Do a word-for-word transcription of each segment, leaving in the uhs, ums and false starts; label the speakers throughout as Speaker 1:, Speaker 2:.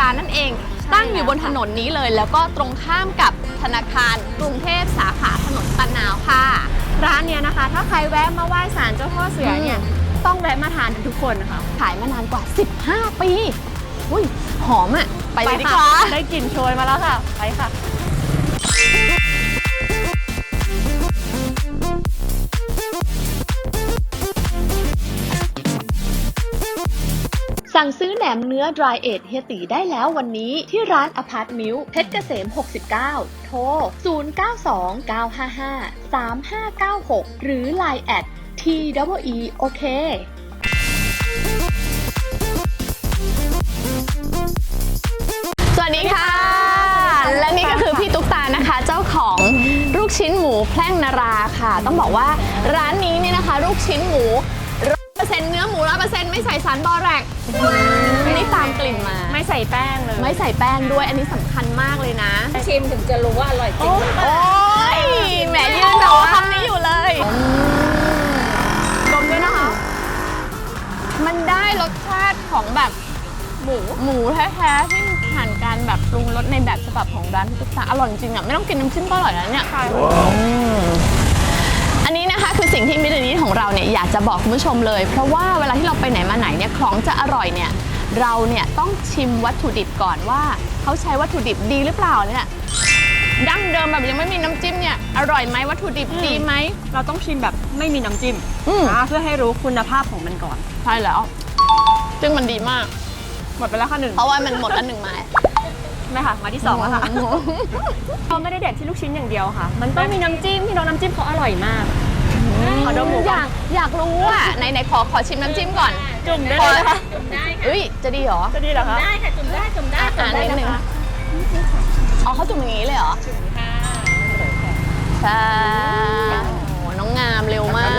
Speaker 1: ร้านนั่นเองตั้งอยู่บนถนนนี้เลยแล้วก็ตรงข้ามกับธนาคารกรุงเทพสาขาถนนตะนาวค่ะ
Speaker 2: ร้านเนี้ยนะคะถ้าใครแวะมาไหว้ศาลเจ้าพ่อเสือเนี่ยต้องแวะมาทานทุกคนนะคะ
Speaker 1: ขายมานานกว่าสิบห้าปีอุ้ยหอมอ่ะไปเลยดีกว่า
Speaker 2: ได้กลิ่นโชยมาแล้วค่ะไปค่ะ
Speaker 1: สั่งซื้อแหนมเนื้อ Dry Age เฮียตีได้แล้ววันนี้ที่ร้านอพาร์ตมิลเพชรเกษมหกสิบเก้าโทรศูนย์ เก้า สอง เก้า ห้า ห้า สาม ห้า เก้า หกหรือ ไลน์ แอท ที อี อี โอ เคสวัสดีค่ะและนี่ก็คือพี่ตุ๊กตานะคะเจ้าของลูกชิ้นหมูแพร่งนาราค่ะต้องบอกว่าร้านนี้เนี่ยนะคะลูกชิ้นหมูร้อยเปอร์เซ็นต์เนื้อหมูร้อยเปอร์เซ็นต์ไม่ใส่สารบอแรกนี่ตามกลิ่นมา
Speaker 2: ไม่ใส่แป้งเลย
Speaker 1: ไม่ใส่แป้งด้วยอันนี้สำคัญมากเลยนะ
Speaker 3: ชิมถึงจะรู้ว่าอร่อยจริง
Speaker 1: โอ้ยแหมยืนรอคำนี้อยู่เลยดมด้วยนะคะมันได้รสชาติของแบบหมูหมูแท้ๆที่ผ่านการแบบปรุงรสในแบบฉบับของร้านพี่ตุ๊กตาอร่อยจริงอ่ะไม่ต้องกินน้ำจิ้มก็อร่อยแล้วเนี่ยอันนี้นะคะคือสิ่งที่มิตรนี้ของเราเนี่ยอยากจะบอกคุณผู้ชมเลยเพราะว่าเวลาที่เราไปไหนมาไหนเนี่ยของจะอร่อยเนี่ยเราเนี่ยต้องชิมวัตถุดิบก่อนว่าเขาใช้วัตถุดิบดีหรือเปล่าเนี่ยดั้งเดิมแบบยังไม่มีน้ำจิ้มเนี่ยอร่อยไหมวัตถุดิบดีไหม
Speaker 2: เราต้องชิมแบบไม่มีน้ำจิ้มนะเพื่อให้รู้คุณภาพของมันก่อน
Speaker 1: ใช่แล้วซึ่งมันดีมาก
Speaker 2: หมดไปแล้วค่ะหนึ่ง
Speaker 1: เพราะว่ามันหมดแล้วหนึ่งไม้
Speaker 2: ไม่ค่ะมาที่สองแล้วค่ะเขาไม่ได้เด็ดที่ลูกชิ้นอย่างเดียวค่ะมันต้องมีน้ำจิ้มที่น้องน้ำจิ้มเขาอร่อยมาก
Speaker 1: ขอดมหมูอยากอยากรู้อ่ะไหนไหนขอขอชิมน้ำจิ้มก่อน
Speaker 2: จุ่มได้เลยค่ะ
Speaker 3: จุ่มได้ค่ะ
Speaker 1: เฮ้ยจะดีเหรอ
Speaker 2: จะดีเหรอคะ
Speaker 3: ได้ค่ะจุ่มได้จุ่มได้
Speaker 1: อ่านิดนึงอ๋อเขาจุ่มอย่างนี้เลยเหรอ
Speaker 3: จุ่มค่ะ
Speaker 1: ใช่โอ้น้องงามเร็วมาก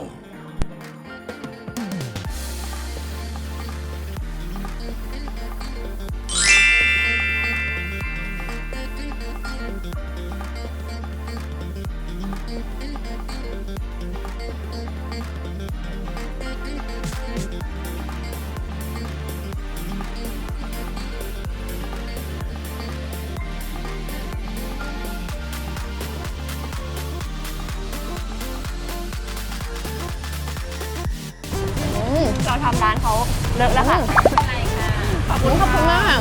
Speaker 2: เราทำร้านเขาเลิกแล้วค่ะ
Speaker 1: ขอบคุณขอบคุณมาก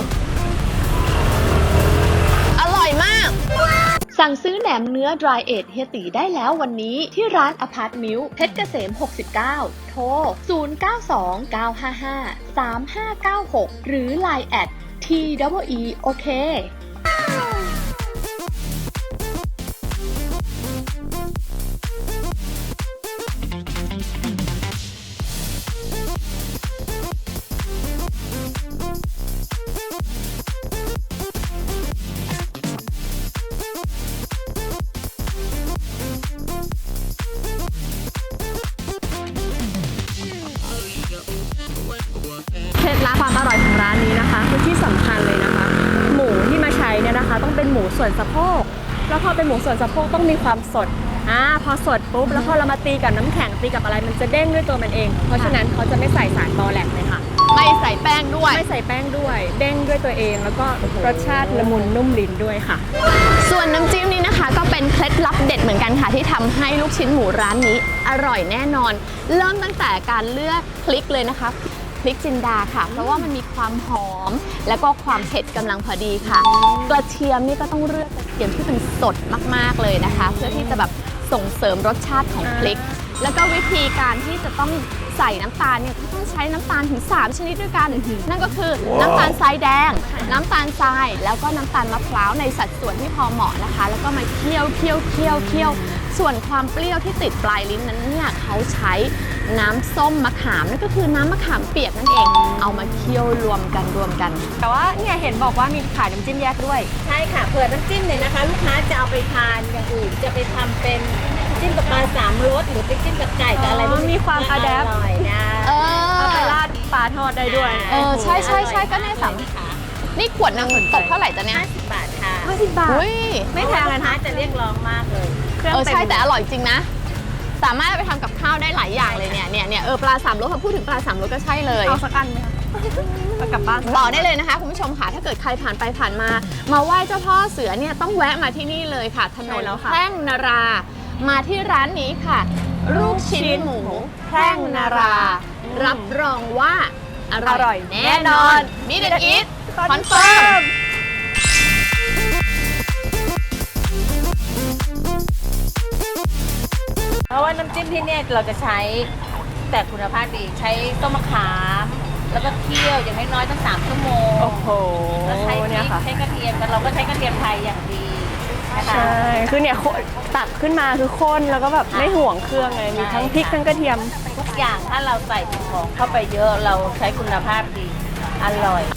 Speaker 1: อร่อยมากสั่งซื้อแหนมเนื้อ Dry Age เฮียตีได้แล้ววันนี้ที่ร้านอพาร์ตมิลเพชรเกษมหกสิบเก้าโทรศูนย์ เก้า สอง เก้า ห้า ห้า สาม ห้า เก้า หกหรือ ไลน์ แอท ที อี อี โอ เค
Speaker 2: เคล็ดลับความอร่อยของร้านนี้นะคะคือที่สำคัญเลยนะคะหมูที่มาใช้เนี่ยนะคะต้องเป็นหมูส่วนสะโพกแล้วพอเป็นหมูส่วนสะโพกต้องมีความสดอ่าพอสดปุ๊บแล้วพอเรามาตีกับน้ำแข็งตีกับอะไรมันจะเด้งด้วยตัวมันเองเพราะฉะนั้นเขาจะไม่ใส่สารบอแลกเลยค่ะ
Speaker 1: ไม่ใส่แป้งด้วย
Speaker 2: ไม่ใส่แป้งด้วยเด้งด้วยตัวเองแล้วก็รสชาติละมุนนุ่มลิ้นด้วยค่ะ
Speaker 1: ส่วนน้ำจิ้มนี้นะคะก็เป็นเคล็ดลับเด็ดเหมือนกันค่ะที่ทำให้ลูกชิ้นหมูร้านนี้อร่อยแน่นอนเริ่มตั้งแต่การเลือกพริกเลยนะคะพริกจินดาค่ะเพราะว่ามันมีความหอมแล้วก็ความเผ็ดกำลังพอดีค่ะกระเทียมนี่ก็ต้องเลือกกระเทียมที่เป็นสดมากๆเลยนะคะเพื่อที่จะแบบส่งเสริมรสชาติของพริกแล้วก็วิธีการที่จะต้องใส่น้ำตาลเนี่ยต้องใช้น้ำตาลถึงสามชนิดด้วยกันนั่นก็คือน้ำตาลทรายแดงน้ำตาลทรายแล้วก็น้ำตาลมะพร้าวในสัดส่วนที่พอเหมาะนะคะแล้วก็มาเคี่ยวเคี่ยวเคี่ยวเคี่ยวส่วนความเปรี้ยวที่ติดปลายลิ้นนั้นเนี่ยเขาใช้น้ำส้มมะขามนั่นก็คือน้ำมะขามเปียกนั่นเองเอามาเคี่ยวรวมกันรวมกัน
Speaker 2: แต่ว่าเนี่ยเห็นบอกว่ามีขายน้ำจิ้มแยกด้วย
Speaker 3: ใช่ค่ะเผื่อน้ำจิ้มเนี่ยนะคะลูกค้าจะเอาไปทานอย่างอื่นจะไปทำเป็นจิ้มกับปลาสามรสหรือไปจิ้มกับไก่กับอะไร
Speaker 2: มันมีความอะแดป
Speaker 3: อร่อยนะ
Speaker 1: เออ
Speaker 2: เอาไปราดปลาทอดได้ด้วย
Speaker 1: เออใช่ใช่ใช่ก็ในสามนี่ขวดนึงตกเท่าไหร่จ๊ะเนี่ย
Speaker 3: ห้าสิบบาทค่ะ
Speaker 2: ห้าสิบบาท
Speaker 3: ไม่แพงเลยนะจะเรียกร้องมากเลย
Speaker 1: เออใช่แต่อร่อยจริงนะสามารถไปทำกับข้าวได้หลายอย่างเลยเนี่ยเนี่ยเนี่ยเออปลาสามรสพอพูดถึงปลาสามรสก็ใช่เลย
Speaker 2: เอาสักอันไหมคะเอากลับบ้าน
Speaker 1: บอกได้เลยนะคะคุณผู้ชมค่ะถ้าเกิดใครผ่านไปผ่านมา มาไหว้เจ้าพ่อเสือเนี่ยต้องแวะมาที่นี่เลยค่ะถนนแพร่งนารา มาที่ร้านนี้ค่ะ ลูกชิ้นหมูแพร่งนารา รับรองว่าอร่อยแน่นอนมิเดนอีทคอนเฟิร์ม
Speaker 3: เพราะว่าน้ำจิ้มที่เนี่ยเราจะใช้แต่คุณภาพดีใช้ต้นมะขาม แล้วก็เคี่ยวอย่างน้อยๆตั้งสามชั่วโมง
Speaker 2: โอ้โห
Speaker 3: แล้วใช้พริ
Speaker 2: เนี่ย
Speaker 3: ก
Speaker 2: ค่ะ
Speaker 3: ใช้กระเทียมแต่เราก็ใช้กระเทียมไทยอย่างดีนะคะ
Speaker 2: ใช่ คือเนี่ยโคตักขึ้นมาคือข้นแล้วก็แบบไม่ห่วงเครื่องเลยมีทั้งพริกทั้งกระเทียม
Speaker 3: ทุกอย่างถ้าเราใส่ของเข้าไปเยอะเราใช้คุณภาพดีอร่อย